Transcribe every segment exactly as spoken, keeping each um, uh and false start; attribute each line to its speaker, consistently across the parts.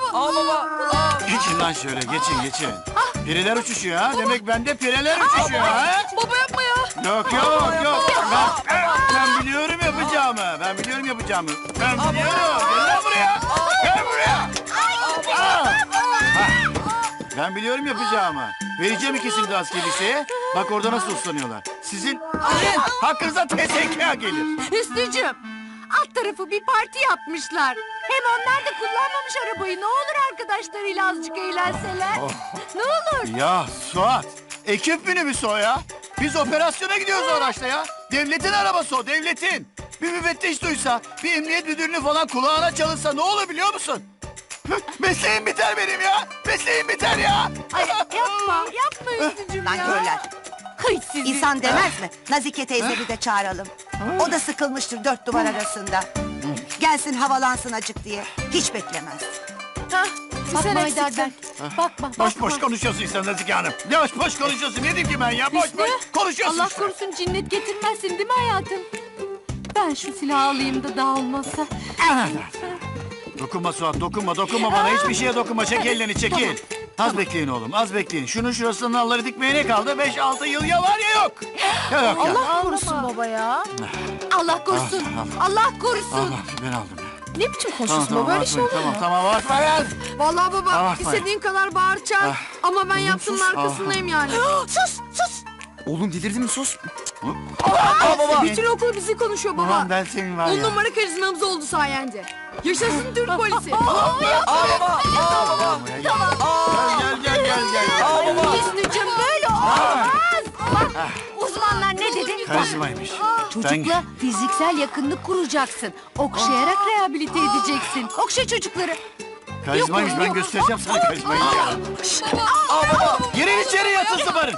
Speaker 1: Aa baba.
Speaker 2: Geçin lan şöyle, geçin geçin. Pireler uçuşuyor ha. Demek bende pireler uçuşuyor ha.
Speaker 1: Baba yapma ya.
Speaker 2: Yok yok yok. Ben, ben biliyorum yapacağımı. Ben biliyorum yapacağımı. Ben biliyorum. Gel lan buraya. Gel buraya. Aa! Hah. Ben biliyorum yapacağımı. Vereceğim ikisini de askeri liseye. Bak orada nasıl uslanıyorlar. Sizin hakkınıza T S K gelir.
Speaker 3: Hüsnücüğüm, alt tarafı bir parti yapmışlar. Hem onlar da kullanmamış arabayı. Ne olur arkadaşlarıyla azıcık eğlenseler. Ne olur.
Speaker 2: Ya Suat, ekip minibüsü o ya. Biz operasyona gidiyoruz o araçla ya. Devletin arabası o, devletin. Bir müfettiş duysa, bir emniyet müdürünün falan kulağına çalınsa ne olur biliyor musun? Mesleğim biter benim ya. Mesleğim biter ya.
Speaker 3: Ay yapma, yapma Hüsnücüğüm ya.
Speaker 4: Nankörler.
Speaker 3: Kıy sizi.
Speaker 4: İnsan demez mi? Nazike teyzemi de çağıralım. O da sıkılmıştır dört duvar arasında. Gelsin havalansın acık diye. Hiç beklemez.
Speaker 3: Hah,
Speaker 1: Bakma
Speaker 3: sen
Speaker 1: Haydar
Speaker 3: eksiksin.
Speaker 1: Bakma.
Speaker 2: Boş boş konuşuyorsun sen Nazike Hanım. Ya boş boş konuşuyorsun. Ne diyeyim ki ben ya? Boş
Speaker 3: Hüsnü,
Speaker 2: boş konuşuyorsun.
Speaker 3: Allah
Speaker 2: işte.
Speaker 3: korusun cinnet getirmezsin değil mi hayatım? Ben şu silahı alayım da daha olmazsa.
Speaker 2: Dokunma Suat, dokunma, dokunma bana. Hiçbir şeye dokunma. Çek ellerini, çekil. Az bekleyin oğlum, az bekleyin. Şunun şurasının nalları dikmeye ne kaldı? Beş altı yıl ya var ya yok. Ya yok ya.
Speaker 3: Allah korusun baba ya. Allah korusun. Allah korusun.
Speaker 2: Allah, ben aldım ya.
Speaker 3: Ne biçim
Speaker 2: Tamam,
Speaker 3: konuşuyorsun
Speaker 2: tamam,
Speaker 3: baba? Böyle şey olur
Speaker 2: tamam,
Speaker 3: mu?
Speaker 2: tamam, bakma ya.
Speaker 5: Vallahi baba
Speaker 2: Abartma.
Speaker 5: istediğin kadar bağır çağır.
Speaker 2: Ah.
Speaker 5: Ama ben yaptığımın
Speaker 2: sus.
Speaker 5: arkasındayım yani.
Speaker 3: Sus sus.
Speaker 1: Oğlum delirdin mi sus.
Speaker 5: Bütün okul bizi konuşuyor baba.
Speaker 2: Ulan ben senin var
Speaker 5: On
Speaker 2: ya.
Speaker 5: numara karizmamız oldu sayende. Yaşasın Türk polisi.
Speaker 1: Aa baba. Aa baba.
Speaker 2: Gel, gel, gel, gel, gel.
Speaker 1: Aa baba.
Speaker 3: Hüsnücüğüm böyle olmaz. Bak uzmanlar ne dedi?
Speaker 2: Karizmaymış.
Speaker 3: Çocukla fiziksel yakınlık kuracaksın. Okşayarak rehabilite edeceksin. Okşa çocukları.
Speaker 2: Karizmaymış,
Speaker 3: Yok,
Speaker 2: ben
Speaker 3: yok.
Speaker 2: göstereceğim sana karizmayı ya.
Speaker 1: Aa baba.
Speaker 2: Girin içeri yatın sıvarın.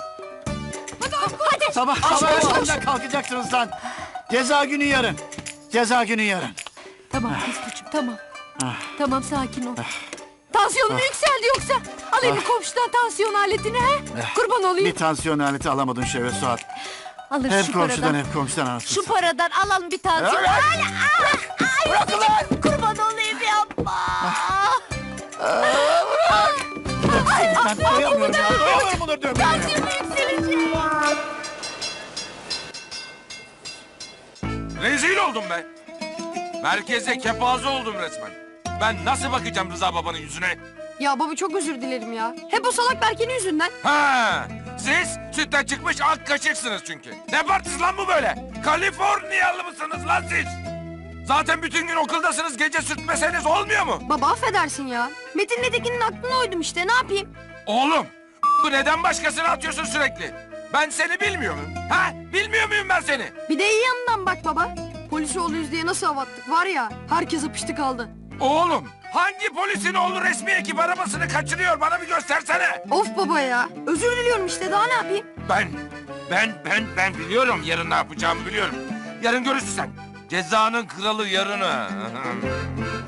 Speaker 3: Hadi.
Speaker 2: Sabah sabah erkenden kalkacaksınız lan. Ceza günü yarın. Ceza günü yarın.
Speaker 3: Tamam Hüsnücüğüm tamam. Tamam sakin ol. Tansiyonun mu yükseldi yoksa? Alayım mı komşudan tansiyon aletini he? Kurban olayım.
Speaker 2: Bir tansiyon aleti alamadın Şevve Suat.
Speaker 3: Alır
Speaker 2: Hep
Speaker 3: şu
Speaker 2: komşudan
Speaker 3: paradan.
Speaker 2: hep komşudan anasını.
Speaker 3: Şu paradan alalım bir tansiyon.
Speaker 2: Evet.
Speaker 3: Ay, ay, ay, Hüsnücüğüm, kurban olayım yapma.
Speaker 2: Ben doyamıyorum ya. Doyamıyorum bunları dövmeye.
Speaker 3: Tansiyonu yükselecek.
Speaker 6: Rezil oldum be. Merkeze kepaze oldum resmen. Ben nasıl bakacağım Rıza babanın yüzüne?
Speaker 5: Ya baba çok özür dilerim ya. Hep o salak Berke'nin yüzünden.
Speaker 6: Ha, siz sütten çıkmış ak kaşıksınız çünkü. Ne partisi lan bu böyle? Kaliforniyalı mısınız lan siz? Zaten bütün gün okuldasınız, gece sürtmeseniz olmuyor mu?
Speaker 5: Baba affedersin ya. Metin'le Tekin'in aklına uydum işte ne yapayım?
Speaker 6: Oğlum, bu neden başkasına atıyorsun sürekli? Ben seni bilmiyor muyum? Ha? Bilmiyor muyum ben seni?
Speaker 5: Bir de iyi yanından bak baba. Polis oğluyuz diye nasıl avattık var ya. Herkes apıştı kaldı.
Speaker 6: Oğlum, hangi polisin oğlu resmi ekip arabasını kaçırıyor? Bana bir göstersene.
Speaker 5: Of baba ya. Özür diliyorum işte daha ne yapayım?
Speaker 6: Ben, ben, ben, ben biliyorum yarın ne yapacağımı biliyorum. Yarın görürsün sen. Cezanın kralı yarını.